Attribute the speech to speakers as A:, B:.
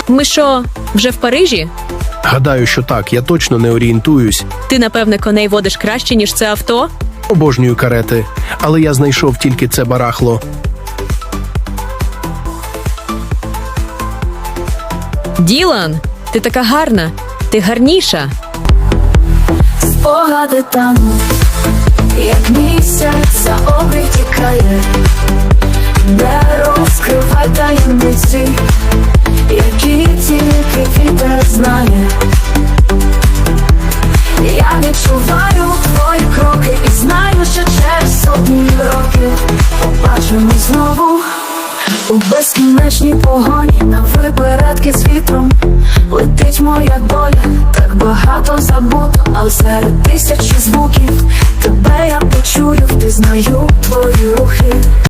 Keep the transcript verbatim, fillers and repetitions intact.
A: Ми що, вже в Парижі?
B: Гадаю, що так, я точно не орієнтуюсь.
A: Ти, напевне, коней водиш краще, ніж це авто?
B: Обожнюю карети, але я знайшов тільки це барахло.
A: Ділан, ти така гарна. Ти гарніша.
C: Спогади там, як місяць за обрій тікає. Не розкривай таємниці, які тільки вітер знає. Я відчуваю твої кроки і знаю, що через сотні років побачимось знову у безкінечній погоні. На випередки з вітром летить моя доля. Так багато забуто, але серед тисячі звуків тебе я почую, впізнаю твої рухи.